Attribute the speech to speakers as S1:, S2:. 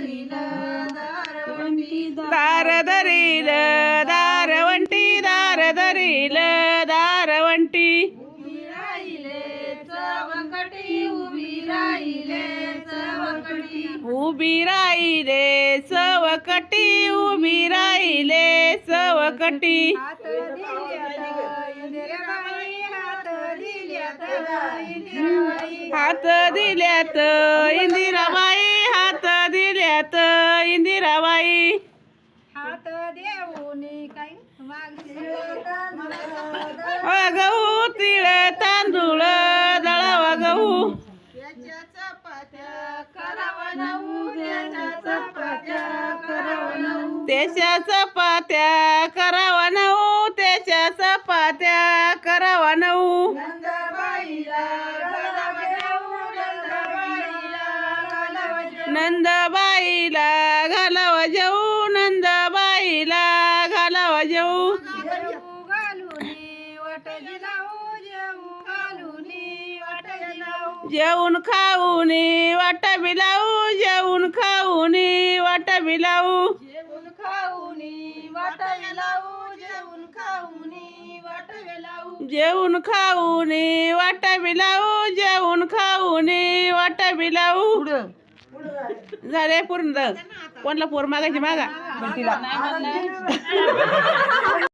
S1: दारधरील दारवंटी दारधरील दारवंटी उभी राहिले सवकटी उभी राहिले सवकटी हात दिल्यात इंदिराबाई हात दिल्यात इंदिराबाई
S2: हात देऊनी काय
S1: गहू तिळ तांदूळ दळावा गहू
S2: त्याच्या चपात्या करावा नऊ त्याच्या चपात्या करावा नऊ
S1: त्याच्या चपात्या करावा नऊ त्याच्या चपात्या करावा नऊ
S2: नंदबाईला घालावा जाऊ
S1: नंदबाईला घालावा जाऊ नंदबाईला घालावा जाऊ
S2: जेऊ घालूनी वाट दिलाऊ जेऊ घालूनी वाट दिलाऊ
S1: जेवून खाऊनी वाट बिलाऊ जेवून खाऊनी वाट बिलाऊ
S2: जेवून खाऊनी वाट दिलाऊ जेवून खाऊनी वाट दिलाऊ
S1: जेवून खाऊनी वाट बिलाऊ जेवून खाऊनी वाट बिलाऊ झाले पूर्ण कोणला पोर मागायची मागा